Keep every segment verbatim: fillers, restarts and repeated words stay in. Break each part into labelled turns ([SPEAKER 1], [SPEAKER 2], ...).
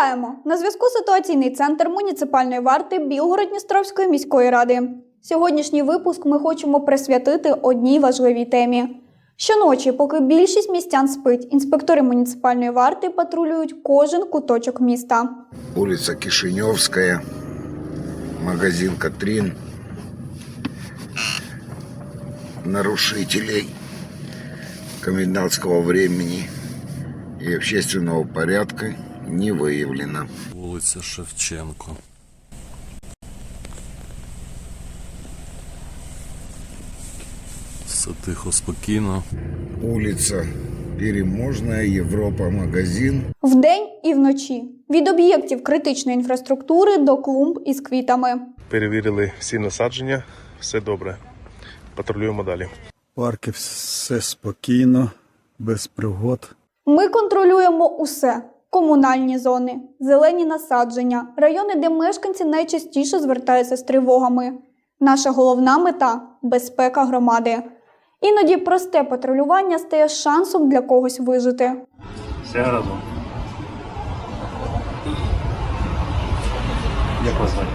[SPEAKER 1] Вітаємо! На зв'язку ситуаційний центр муніципальної варти Білгород-Дністровської міської ради. Сьогоднішній випуск ми хочемо присвятити одній важливій темі. Щоночі, поки більшість містян спить, інспектори муніципальної варти патрулюють кожен куточок міста.
[SPEAKER 2] Вулиця Кишиньовська, магазин «Катрін». Нарушителей комендантского времени и общественного порядка не выявлено.
[SPEAKER 3] Вулиця Шевченко. Все тихо, спокійно.
[SPEAKER 2] Вулиця Переможна, Європа, магазин.
[SPEAKER 1] Вдень і вночі. Від об'єктів критичної інфраструктури до клумб із квітами.
[SPEAKER 4] Перевірили всі насадження, все добре. Патрулюємо далі.
[SPEAKER 5] Парки все спокійно, без пригод.
[SPEAKER 1] Ми контролюємо усе. Комунальні зони, зелені насадження, райони, де мешканці найчастіше звертаються з тривогами. Наша головна мета – безпека громади. Іноді просте патрулювання стає шансом для когось вижити.
[SPEAKER 4] Все разом. Як вас звати?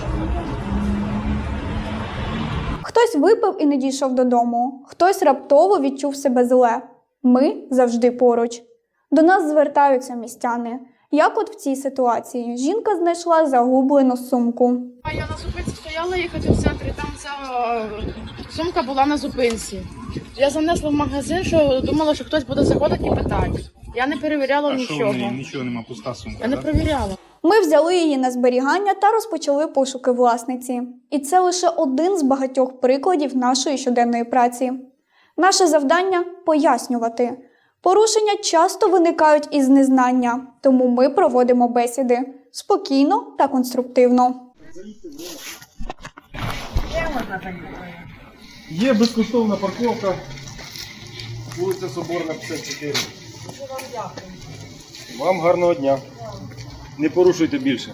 [SPEAKER 1] Хтось випив і не дійшов додому, хтось раптово відчув себе зле. Ми завжди поруч. До нас звертаються містяни. Як от в цій ситуації? Жінка знайшла загублену сумку.
[SPEAKER 6] А я на зупинці стояла їхати в центрі, там ця е, сумка була на зупинці. Я занесла в магазин, що думала, що хтось буде заходити і питати. Я не перевіряла
[SPEAKER 7] а
[SPEAKER 6] нічого.
[SPEAKER 7] Що в неї? Нічого нема, пуста сумка.
[SPEAKER 6] Я не
[SPEAKER 7] так?
[SPEAKER 6] перевіряла.
[SPEAKER 1] Ми взяли її на зберігання та розпочали пошуки власниці. І це лише один з багатьох прикладів нашої щоденної праці. Наше завдання – пояснювати. Порушення часто виникають із незнання, тому ми проводимо бесіди спокійно та конструктивно.
[SPEAKER 7] Є безкоштовна парковка, вулиця Соборна, п'ятдесят чотири. Вам гарного дня. Не порушуйте більше.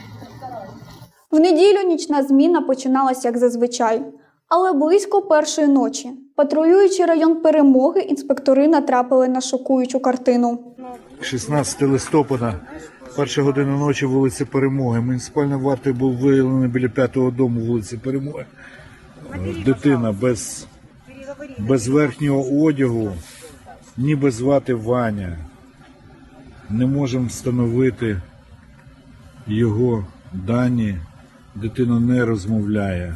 [SPEAKER 1] В неділю нічна зміна починалася як зазвичай. Але близько першої ночі, патрулюючи район Перемоги, інспектори натрапили на шокуючу картину.
[SPEAKER 5] шістнадцятого листопада, перша година ночі, вулиця Перемоги. Муніципальною вартою був виявлений біля п'ятого дому вулиці Перемоги. Дитина без, без верхнього одягу, ніби звати Ваня. Не можемо встановити його дані. Дитина не розмовляє.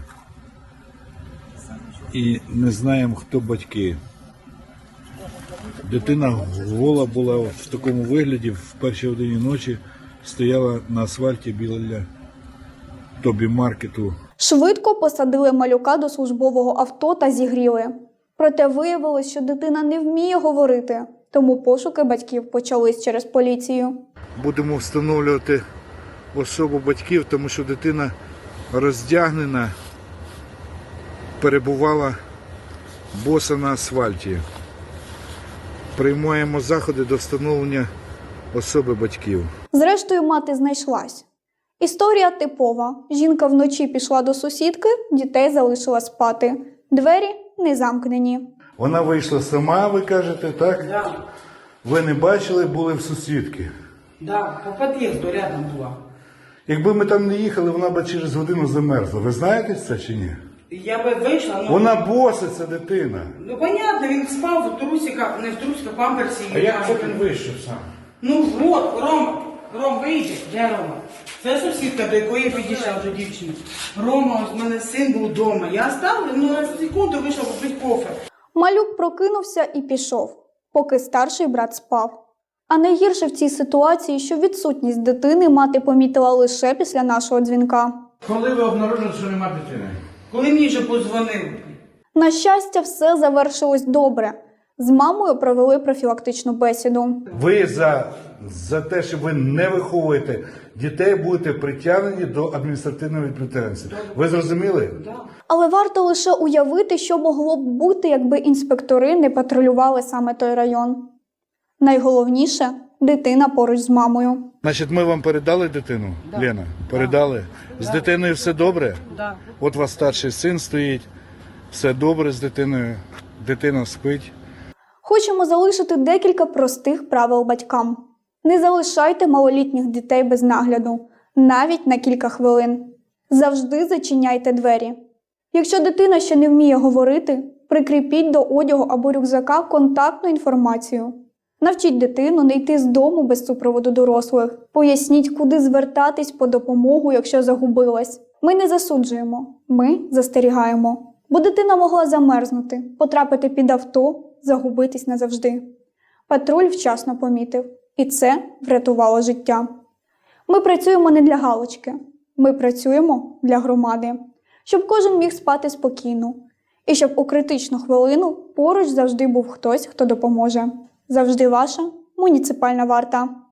[SPEAKER 5] І не знаємо, хто батьки. Дитина гола була в такому вигляді, в першій годині ночі стояла на асфальті біля Тобі-маркету.
[SPEAKER 1] Швидко посадили малюка до службового авто та зігріли. Проте виявилось, що дитина не вміє говорити, тому пошуки батьків почались через поліцію.
[SPEAKER 5] Будемо встановлювати особу батьків, тому що дитина роздягнена, перебувала боса на асфальті. Приймаємо заходи до встановлення особи батьків.
[SPEAKER 1] Зрештою, мати знайшлась. Історія типова. Жінка вночі пішла до сусідки, дітей залишила спати. Двері не замкнені.
[SPEAKER 5] Вона вийшла сама, ви кажете, так?
[SPEAKER 8] Да.
[SPEAKER 5] Ви не бачили, були в сусідки.
[SPEAKER 8] Да, по під'їзду рядом була.
[SPEAKER 5] Якби ми там не їхали, вона б через годину замерзла. Ви знаєте це чи ні?
[SPEAKER 8] Я би вийшла, ну...
[SPEAKER 5] Вона боса, ця дитина.
[SPEAKER 8] Ну, понятно, він спав в трусиках, не в трусиках, памперсі.
[SPEAKER 5] А як це він вийшов сам?
[SPEAKER 8] Ну, от, Рома, Ром, вийди. Де Рома? Це сусідка, до якої підійшла вже дівчина. Рома, ось в мене син був вдома. Я ставлю, ну, на секунду вийшов попити кофе.
[SPEAKER 1] Малюк прокинувся і пішов, поки старший брат спав. А найгірше в цій ситуації, що відсутність дитини мати помітила лише після нашого дзвінка.
[SPEAKER 7] Коли ви обнаружили, що нема дитини?
[SPEAKER 8] Коли мені вже подзвонив.
[SPEAKER 1] На щастя, все завершилось добре. З мамою провели профілактичну бесіду.
[SPEAKER 5] Ви за, за те, що ви не виховуєте дітей, будете притягнені до адміністративної відповідальності. Ви зрозуміли?
[SPEAKER 1] Але варто лише уявити, що могло б бути, якби інспектори не патрулювали саме той район. Найголовніше – дитина поруч з мамою.
[SPEAKER 5] Значить, ми вам передали дитину, да. Лена? Передали? Да. З дитиною все добре?
[SPEAKER 8] Да.
[SPEAKER 5] От у вас старший син стоїть, все добре з дитиною, дитина спить.
[SPEAKER 1] Хочемо залишити декілька простих правил батькам. Не залишайте малолітніх дітей без нагляду, навіть на кілька хвилин. Завжди зачиняйте двері. Якщо дитина ще не вміє говорити, прикріпіть до одягу або рюкзака контактну інформацію. Навчіть дитину не йти з дому без супроводу дорослих. Поясніть, куди звертатись по допомогу, якщо загубилась. Ми не засуджуємо, ми застерігаємо. Бо дитина могла замерзнути, потрапити під авто, загубитись назавжди. Патруль вчасно помітив. І це врятувало життя. Ми працюємо не для галочки. Ми працюємо для громади. Щоб кожен міг спати спокійно. І щоб у критичну хвилину поруч завжди був хтось, хто допоможе. Завжди ваша муніципальна варта.